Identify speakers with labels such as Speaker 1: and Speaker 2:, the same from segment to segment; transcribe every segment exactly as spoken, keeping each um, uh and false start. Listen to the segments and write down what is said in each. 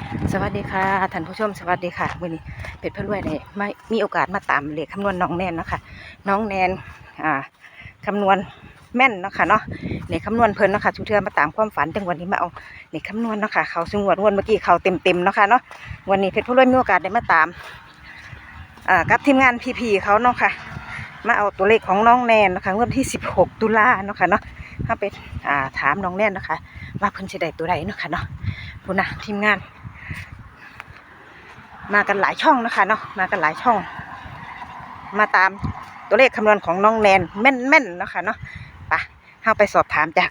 Speaker 1: สวัสดีค่ะท่านผู้ชมสวัสดีค่ะวันนี้เพชรพรวยได้ไม่มีโอกาสมาตามเลขคำนวณน้องแนนเนาะค่ะน้องแนนอ่าคำนวณแม่นเนาะค่ะเนาะเลขคำนวณเพิ่นเนาะค่ะทุกเทื่อมาตามความฝันจังวันนี้มาเอาเลขคำนวณเนาะค่ะเขาสงวดวันเมื่อกี้เขาเต็มเต็มเนาะค่ะเนาะวันนี้เพชรพรวยมีโอกาสได้มาตามอ่ากับทีมงานพีพีเขาเนาะค่ะมาเอาตัวเลขของน้องแนนนะคะงวดที่สิบหกตุลาเนาะค่ะเนาะถ้าไปอ่าถามน้องแนนนะคะว่าเพิ่นจะได้ตัวใดเนาะค่ะเนาะพูดนะทีมงานมากันหลายช่องนะคะเนาะมากันหลายช่องมาตามตัวเลขคำนวณของน้องแนนแม่นๆนะคะเนาะไปเข้าไปสอบถามจาก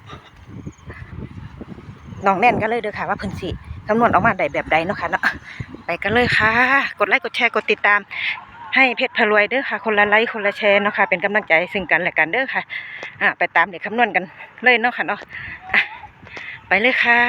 Speaker 1: น้องแนนกันเลยเด้อค่ะว่าเพิ่นสิคำนวณออกมาได้แบบใดเนาะค่ะเนาะไปกันเลยค่ะกดไลค์กดแชร์กดติดตามให้เพชรพรวยเด้อค่ะคนละไลค์คนละแชร์เนาะค่ะเป็นกำลังใจซึ่งกันและกันเด้อค่ะอ่ะไปตามเลขคำนวณกันเลยเนาะค่ะเนาะอ่ะไปเลยค่ะ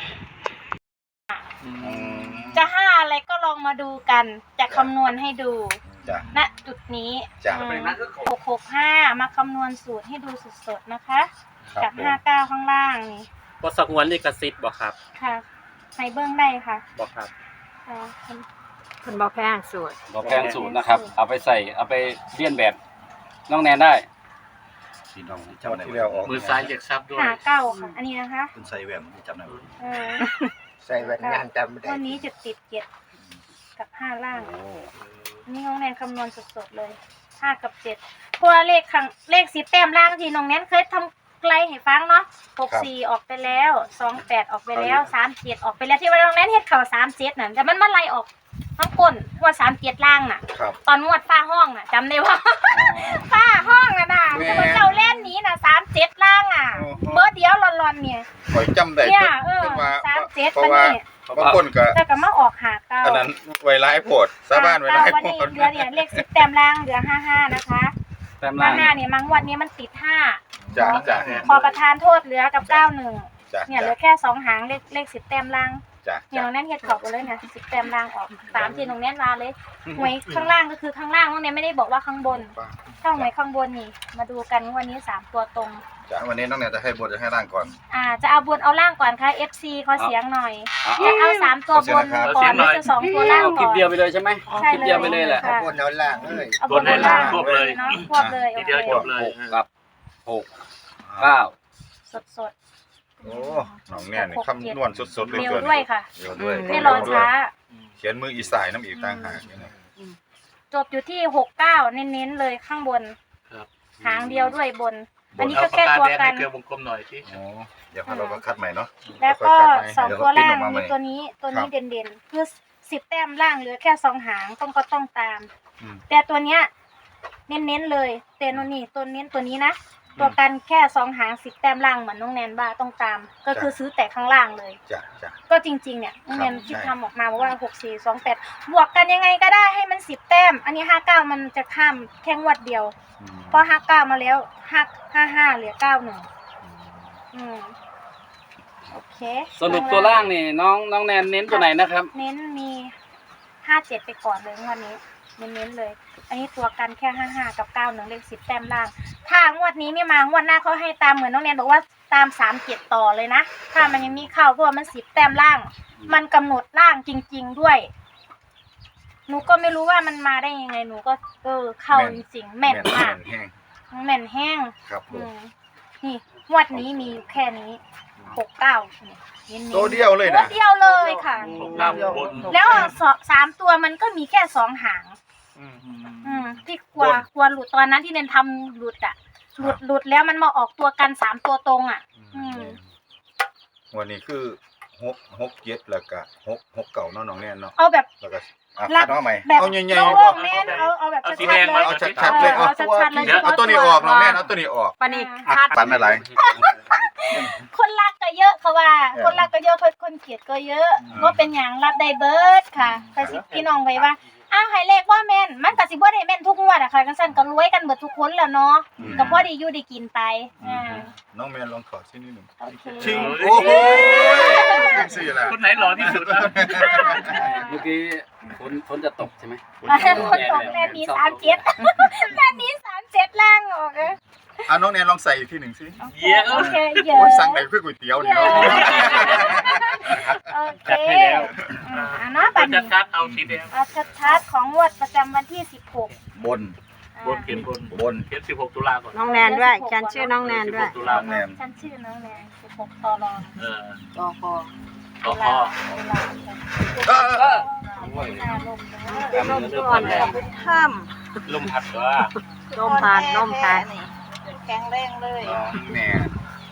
Speaker 2: จะห้าอะไรก็ลองมาดูกันจะคำนวณให้ดูณจุดนี้หกหกห้ามาคำนวณสูตรให้ดูสดๆนะคะกับห้าเก้าข้างล่างนี่
Speaker 3: บอสักวันลิขสิทธิ์บอกครับ
Speaker 2: ค่ะในเบื้องได้ค่ะ
Speaker 3: บอกครับ
Speaker 1: คนบอกแพงสูตร
Speaker 4: บอกแพงสูตรนะครับเอาไปใส่เอาไปเลียนแบบน้องแนนได้พี่น้องจำได้ที่แล้วออก
Speaker 3: มือซ้ายเรียกซับด้วย
Speaker 2: ห้าเก้าค่ะอันนี้นะคะ
Speaker 4: คุณใส่แหวนจำได้
Speaker 2: เออ
Speaker 5: ใส่แว่นงานจำไม่ได้
Speaker 2: วันนี้จะติดเจ็ดกับห้าล่างอันนี้น้องแนนคำนวณสดๆเลยห้ากับเจ็ดเพราะว่าเลขข้างเลขสิบแต้มล่างที่น้องแนนเคยทำไกลให้ฟังเนาะหกสี่ออกไปแล้วสองแปดออกไปแล้วสามเจ็ดออกไปแล้วที่ว่าน้องแนนเฮ็ดเข่าสามเจ็ดน่ะแต่มันมาไล่ออกทั้งก้นว่าสามเจ็ดล่างน่ะตอนงวดฝ้าห้องน่ะจำได้ว่าฝ้าห้องน่ะน่ะจะเป็นเจ้าเล่นนี้น่ะสามเจ็ดล่างอ่ะเบอร์เดียวหลอนๆเนี่ย
Speaker 5: คอยจำได้
Speaker 2: เนี่ยเออสามเจ็ดมันนี่
Speaker 5: บางคนก็
Speaker 2: แต่ก็มาออกหาเก้า
Speaker 5: อันนั้นไวไลโพดสาบ้านไวไลโพด
Speaker 2: เหลือเนี่ยเลขสิบแต้มล่างเหลือห้าห้านะคะ
Speaker 4: แต้มล่าง
Speaker 2: ห้าเนี่ยมังวันนี้มันติดห้า
Speaker 5: จ้าจ้า
Speaker 2: พอประทานโทษเหลือกับเก้าหนึ่งเนี่ยเหลือแค่สองหางเลขเลขสิบแต้มล่างเนี่ยน้องแน่นเฮ็ดขอบกันเลยเนี่ยสิบแต้มล่างออกสามทีน้องแน่นมาเลยหวยข้างล่างก็คือข้างล่างน้องแน่นไม่ได้บอกว่าข้างบนถ้าหวยข้างบนนี่มาดูกันวันนี้สามตัวตรง
Speaker 5: จ้าวันนี้น้องแนนจะให้บนจะให้ล่างก่อน
Speaker 2: อ่าจะเอาบนเอาล่างก่อนค่ะ เอฟ ซี ขอเสียงหน่อยจะเอาสามตัวบนก่อนหรือจะสองตัวล่างก่อน
Speaker 4: คลิปเดียวไปเลยใช่ไหมคลิปเดียวไปเลยแหละ
Speaker 5: บนเอาล่างเลย
Speaker 2: เอาบนเอาล่างควบเลยเนาะควบเลย
Speaker 3: ทีเดียวจบเลย
Speaker 4: กับหกเก้า
Speaker 2: สดสด
Speaker 5: โอ้น้องแนนคำนวณสดๆเลย
Speaker 2: เร็วด้วยค่ะไม่รอช้า
Speaker 5: เขียนมืออีสายน้ำอีกต่างหาก
Speaker 2: จบอยู่ที่หกเก้าเน้นๆเลยข้างบนหางเดียวด้วยบนอันนี้ก็แค่ตัวกัน
Speaker 3: เกลือวงกลมหน่อยที่
Speaker 5: เดี๋ยวเราก็คัดใหม่เนาะ
Speaker 2: แล้วก็สองตัวล่างมีตัวนี้ตัวนี้เด่นๆคือสิบแต้มล่างเหลือแค่สองหางต้องก็ต้องตามแต่ตัวเนี้ยเน้นๆเลยเตนนี่ตัวเน้นตัวนี้นะตัวกันแค่สองหางสิบแต้มล่างเหมือนน้องแนนบ้าต้องตามก็คือซื้อแต่ข้างล่างเลยก็จริงๆเนี่ยน้องแนนคิดทำออกมาว่าหกสี่สองแปดบวกกันยังไงก็ได้ให้มันสิบแต้มอันนี้ห้าเก้ามันจะข้ามแค่งวดเดียวพอห้าเก้ามาแล้วห้าห้าห้าเหลือเก้าหนึ่งอืมโอเค
Speaker 4: สรุปตัวล่างนี่น้องน้องแนนเน้นตัวไหนนะครับ
Speaker 2: เน้นมีห้าเจ็ดไปก่อนเลยงวดนี้เน้นๆเลยอันนี้ตัวกันแค่ห้าห้ากับเก้าหนึ่งเลขสิบแต้มล่างถ้างวดนี้ไม่มางวดหน้าเขาให้ตามเหมือนน้องแนนบอกว่าตามสามเจ็ดต่อเลยนะถ้ามันยังมีเข้าเพราะว่ามันสิบแต้มล่างมันกำหนดล่างจริงๆด้วยหนูก็ไม่รู้ว่ามันมาได้ยังไงหนูก็เออเข้าจริงๆแม่นมากแม่นแห้ง
Speaker 5: ครับ
Speaker 2: นี่งวดนี้มีอยู่แค่นี้หกเก้า
Speaker 5: ตัวเดียวเลยนะ
Speaker 2: ตัวเดียวเลยค่ะแล้วสามตัวมันก็มีแค่สองหางอืมที่กลัวกลัวหลุดตอนนั้นที่เนนทำหลุดอ่ะหลุดหลุดแล้วมันมาออกตัวกันสามตัวตรงอ่ะอืม
Speaker 5: วันนี้คือหกหกเจ็ดแล้วก็หกหกเก่าน้องน้องแน่นเนาะ
Speaker 2: เอาแบบ
Speaker 5: แล้วก็อ่ะน้องใหม่
Speaker 2: เอาใหญ่ๆแน่นเอาเอาแบบชัดๆเลย
Speaker 5: เอาชัดๆเลยเอาเอาตัวนี้ออกน้องแน่นเอาตัวนี้ออก
Speaker 1: ปันนี่คัด
Speaker 5: ปันอะไร
Speaker 2: คนรักก็เยอะเขาว่าคนรักก็เยอะคนเกลียดก็เยอะว่าเป็นอย่างรับได้เบิร์ดค่ะใครสิพี่น้องไปว่าอ้าวให้เลขว่าแม่นมันก็สิบ่ได้แม่นทุกงวดอะค่ะกันสั่นก็รวยกันเบิดทุกคนแล้วเนาะก็พอได้อยู่ได้กินไปอ่า
Speaker 5: น้องแม่นลองขอชิ้นนิดนึง
Speaker 2: โอเค
Speaker 5: ชิงโอ้โหสิล่ะ
Speaker 3: คนไหนหล่อที่สุดอ่ะ
Speaker 4: เมื่อกี้ฝนฝนจะตกใช่ไหม
Speaker 2: คนตกแม่นี้สามเจ็ดแม่นี้สามเจ็ดล่างออกเออ
Speaker 5: อ่ะน้องแนนลองใส่อีกทีหนึ่งสิ
Speaker 3: เยอะ
Speaker 2: โอเคเยอะ
Speaker 5: สั่งไหนเพื่อก๋วยเตี๋ยวเนี่ย
Speaker 2: โอเค
Speaker 4: จัดให้แล้ว
Speaker 2: อ่าเนาะบั
Speaker 3: ปั
Speaker 2: ด
Speaker 3: จ
Speaker 2: นี้
Speaker 3: จัดเอาสีแดง
Speaker 2: เอาชัดๆของงวดประจำวันที่สิบหก
Speaker 5: บน
Speaker 3: บนเขียนบน
Speaker 5: บน
Speaker 3: เขียนสิบหกตุลาก่อน
Speaker 6: น้องแนนด้วยฉันชื่อน้องแนนด้วย
Speaker 3: สิบหกตุลา
Speaker 5: น้องแนน
Speaker 2: ฉันชื่อน้องแนนสิบหกตอรอ
Speaker 3: เออ
Speaker 6: ตอคอ
Speaker 3: ต่อคอ
Speaker 2: เวลา
Speaker 5: เออเออ
Speaker 2: หน้าลมนะ
Speaker 6: เป็นลมก่อนเลยถ้
Speaker 4: ลมพัดตัว
Speaker 6: ำลมพัดลมพัด
Speaker 2: แข็งแรงเลย
Speaker 5: น้องแนน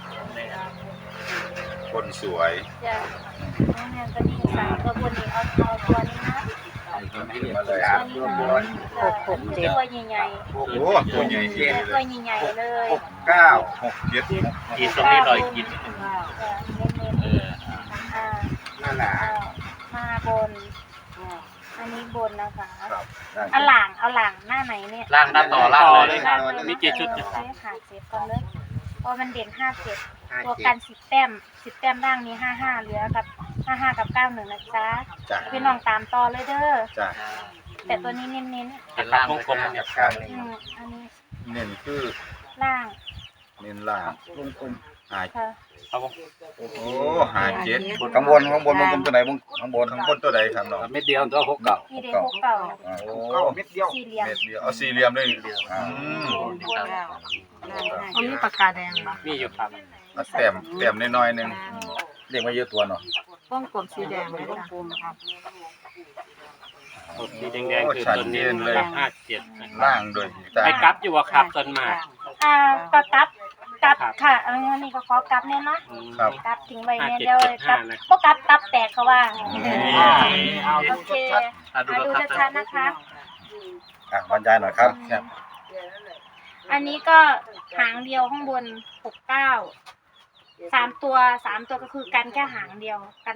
Speaker 5: คนสวย
Speaker 2: จ้ะน้องแนนก็ดีสามตัวบนนี้เอาเอาตัวนี้นะ
Speaker 5: มาเลย
Speaker 2: ตัวนี้นะตัวใหญ่
Speaker 5: โอ้โหตัวใหญ่เย็น
Speaker 2: ๆ
Speaker 5: เล
Speaker 2: ตัวย ใหญ่ๆเลย
Speaker 5: หกเก้าหกเจ็ดหก
Speaker 3: กินตรงนี้หน่อยกินนิดนึง
Speaker 2: จ้ะเน้น
Speaker 3: เออ
Speaker 2: ๆอ่า
Speaker 5: นั่นแหละ
Speaker 2: เอามาบนอันนี้บนนะคะ
Speaker 5: ครับได้
Speaker 2: เอาหลังเอาหลังหน้าไหนเนี่ย
Speaker 3: ล่างด้านต่อล่าง
Speaker 4: ต่อ
Speaker 3: เล
Speaker 4: เลย ย
Speaker 3: ค
Speaker 4: ค
Speaker 3: รั
Speaker 4: รับ บมีกี่ชุด
Speaker 2: เออใช้ขาเจ็บก่อนเลยเพราะมันเด่นห้าเจ็ดตัวกันสิบแต้มสิบแต้มล่างนี้ห้าห้าเหลือกับห้าห้ากับเก้าหนึ่งนะจ๊ะ
Speaker 5: จ้ะ
Speaker 2: พี่น้องตามต่อเลยเด้อ
Speaker 5: จ้ะ
Speaker 2: แต่ตัวนี้เน้น
Speaker 3: เป็นล่าง
Speaker 4: วงกลม
Speaker 5: จับการ
Speaker 2: ๆอืมอันนี้
Speaker 5: เน้นคือ
Speaker 2: ล่าง
Speaker 5: เน้นล่างวงกลมหา
Speaker 2: ค่ะ
Speaker 4: ครับผม
Speaker 5: โอ้หาเจ็ด
Speaker 7: ข้างบนข้างบนวงกลมตัวไหนวงข้างบน
Speaker 5: ข้างบนตัวใดครับน้อง
Speaker 4: เม็ดเดียวตัวหกเก่า
Speaker 2: นี่เด็กหกเก่า
Speaker 5: โอ้
Speaker 7: เม็ดเดียว
Speaker 2: สี่เหลี่ยม
Speaker 5: เม็ดเดียวเอาสี่เหลี่ยมเลยอืม
Speaker 6: เขามีปากกาแดงปะ
Speaker 4: มีอยู่ครับ
Speaker 5: เอาแต้มแต้มน้อยๆหนึง
Speaker 7: เรียกมาเยอะตัวเนาะ
Speaker 6: วงกลมสีแดงเลยจ้ะ
Speaker 4: สีแดงๆคือตัวนี้ครับห้าเจ็ด
Speaker 5: ล่างโดยตา
Speaker 4: ไปกลับอยู่ว่าครับต้นมา
Speaker 2: อ่าก็กลับกลับค่ะอันนี้ก็ขอกลับเนี่ยเนาะ
Speaker 5: ครับ
Speaker 2: กลับทิ้งไว้เนี่ย
Speaker 4: ห้าเจ็ด
Speaker 2: เดี๋ยว
Speaker 4: เจ็ด
Speaker 2: กลั
Speaker 4: ห้า
Speaker 2: บ
Speaker 4: นะ
Speaker 2: ก็กลับตับแตกเขาว่า
Speaker 5: นี่
Speaker 2: โอเค
Speaker 3: อ่ะดู
Speaker 2: มาดู
Speaker 3: นะครับ
Speaker 2: ชัดๆนะคะ
Speaker 7: อ่ะบรรยายหน่อยครับครับ
Speaker 2: อันนี้ก็หางเดียวข้างบนหกเก้าสามตัวสามตัวก็คือกันแค่หางเดียวกัน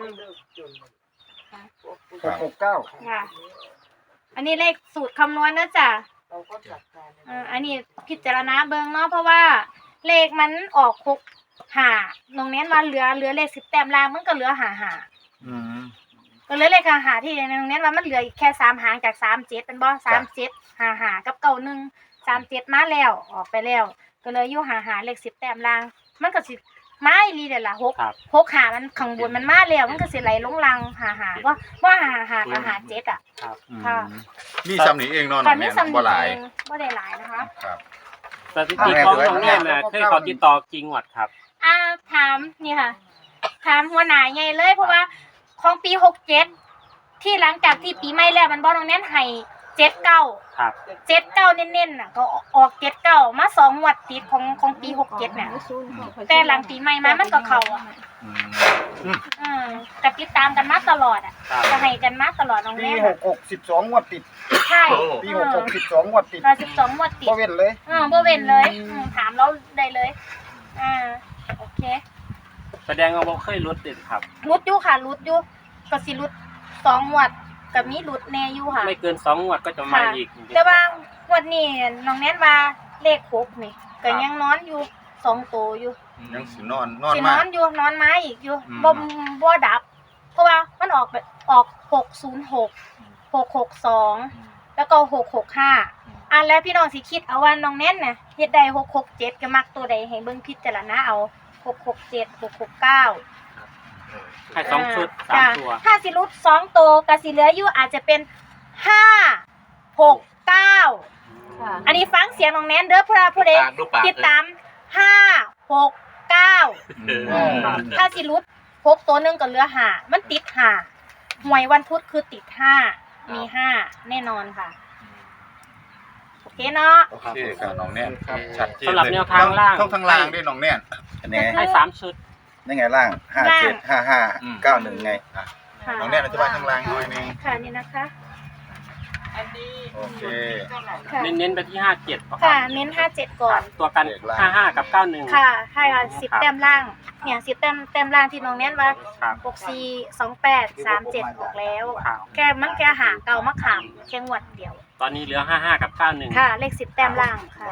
Speaker 7: หกหกเก้า
Speaker 2: ค่ะ อันนี้เลขสูตรคำนวณนะจ๊ะเอ่ออันนี้พิจารณาเบิ่งเนาะเพราะว่าเลขมันออกหกหาตรงนี้มาเหลือเหลือเลขสิบแต้มล่างมันก็เหลือหาหา
Speaker 5: อืม
Speaker 2: ก็เหลือเลขหาหาที่ในตรงนี้ว่ามันเหลืออีกแค่สามหางจากสามเจ็ดเป็นบ่สามเจ็ดหาหากับเก้าหนึ่งสามเจ็ดมาแล้วออกไปแล้ว ก็เลยอยู่หาหาเลขสิบแต้มล่าง มันก็สิมาอีหลีเด้อล่ะหก
Speaker 4: ครับ
Speaker 2: หกหามันข้างบนมันมาแล้วมันก็สิไหลลงลังหาหาว่าว่าหาหากับหาเจ็ดอ่ะ
Speaker 4: ครับ
Speaker 2: ค่ะ
Speaker 5: มีซ้ำนี่เองเนาะน้
Speaker 2: ตอ
Speaker 5: อน งแม่
Speaker 2: นี้
Speaker 5: น
Speaker 2: สำเนี
Speaker 5: บ่หลาย
Speaker 2: ยงบ่ได้หลายนะคะ
Speaker 5: ครับ
Speaker 4: สถิติของน้องแน่น่ะเคยขอติดต่อกี่งวดครับ
Speaker 2: อ่าถามนี่ค่ะ ถามหัวหน้าใหญ่เลยเพราะว่าของปีหกเจ็ดที่หลังจากที่ปีใหม่แล้วมันบ่ตรงนั้นให้เจ็ดเก้า
Speaker 4: ครับ
Speaker 2: เจ็ดเก้าเน้นๆน่ะก็ออกเจ็ดเก้ามาสองงวดติดของของปีหกเจ็ดน่ะแต่หลังปีใหม่มามันก็เข้าอ่ะ
Speaker 5: อืม
Speaker 2: อืมก็ติดตามกันมาตลอดอ่ะ
Speaker 4: ครับ
Speaker 2: ก็ให้กันมาตลอดน้อง
Speaker 7: ปี
Speaker 2: แม่
Speaker 7: หกหกสิบสองงวดติด
Speaker 2: ใช่
Speaker 7: ปีหกหกสิบสองงวดติด
Speaker 2: เราสิบสองงวดติด
Speaker 7: ก็เว้นเลย
Speaker 2: อืมบ่เว้นเลยอืมถามเราได้เลยอ่าโอเค
Speaker 4: แสดงว่าบ่เคยลดติดครับ
Speaker 2: รุดอยู่ค่ะรุดอยู่ก็สิรุดสองงวดก็มีรุดแน่อยู่ค่ะ
Speaker 4: ไม่เกินสองงวดก็จะมาอีก
Speaker 2: แต่ว่างวดนี้น้องแนนว่าเลขหกนี่ก็ยังนอนอยู่สองตัวอยู่
Speaker 5: ยังสินอนนอน
Speaker 2: สิน
Speaker 5: มา
Speaker 2: อก นอยู่นอนไม้อีกอยู่
Speaker 5: อืม
Speaker 2: บ่บ่ดับ เพราะว่ามันออกแบบออกหกศูนย์หก หกหกสองแล้วก็หกหกห้าอันแล้วพี่น้องสิคิดเอาว่าน้องแนนน่ะเฮ็ดได้หกหกเจ็ดก็มักตัวใดให้เบิ่งพิจารณาเอาหกหกเจ็ด หกหกเก้า
Speaker 4: ให้สองชุดสาม
Speaker 2: จ้ะ
Speaker 4: ตัว
Speaker 2: ถ้าสิรุดสองตัวก็สิเหลืออยู่อาจจะเป็นห้าหกเก้าอันนี้ฟังเสียงน้องแนนเด้อเพื่อผู้ใด
Speaker 3: ปากดูปาก
Speaker 2: ติดตามห้าหกเก้า
Speaker 3: เออ
Speaker 2: ถ้าสิรุดหกตัวหนึงก็เหลือห้ามันติดห้าหวยวันพุธคือติดห้ามีห้าแน่นอนค่ะโอเคเนาะ
Speaker 5: โอเคครับน้องแน่นชัดเจน
Speaker 4: สำหรับแนวทางล่าง
Speaker 5: ช่องทางล่างด้วยน้องแน่น
Speaker 7: อันนี้
Speaker 4: ให้สามชุด
Speaker 7: นี่ไงล่างห้าเจ็ดห้าห้าเก้าหนึ่งไง
Speaker 5: อ่ะ
Speaker 2: ค่ะ
Speaker 5: น้องแน่นอธิบายทางล่างหน่อยหนึง
Speaker 2: ค่ะนี่นะคะ
Speaker 5: โอเค
Speaker 2: ค่ะ
Speaker 4: เน้นๆไปที่ห้าเจ็ดค
Speaker 2: ค่ะ
Speaker 4: รับ
Speaker 2: เน้นห้าเจ็ดก่อน
Speaker 4: ตัวกันห้าห้ากับเก้าหนึ่ง
Speaker 2: ค่ะใช่ค่ะสิบแต้มล่าง เนี่ยสิบแต้มแต้มล่างที่น้องแน่นว่า
Speaker 4: ครับ
Speaker 2: หกสี่สองแปดสามเจ็ดออกแล้ว
Speaker 4: ครับ
Speaker 2: แกมันแกหาเก่ามะขามแค่งวดเดียว
Speaker 4: ตอนนี้เหลือห้าห้ากับเก้าหนึ่ง
Speaker 2: ค่ะ เลขสิบแต้มล่างค่ะ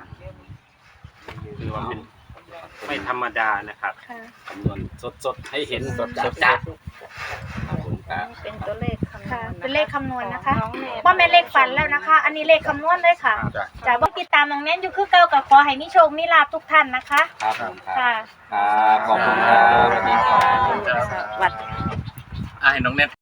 Speaker 4: คือว่าเป็นไม่ธรรมดานะครับ
Speaker 2: ค่ะ
Speaker 4: คำนวณสดๆให้เห็นสดๆจ้ะ
Speaker 6: เป็นตัวเลขคำนวณ
Speaker 2: ค่ะ เป็นเลขคำนวณนะคะว่าแม่นเลขฝันแล้วนะคะ อันนี้เลขคำนวณเลยค่ะ
Speaker 5: จ้ะ
Speaker 2: จากว่าติดตามน้องแน่นอยู่คือเก่ากับขอให้มีโชคมีลาภทุกท่านนะคะ
Speaker 4: ครับผมครับ
Speaker 2: ค่ะ
Speaker 4: ครับขอบคุณครับสวัสดีครับ
Speaker 6: สวัสดี
Speaker 3: อ่ะให้น้องแนน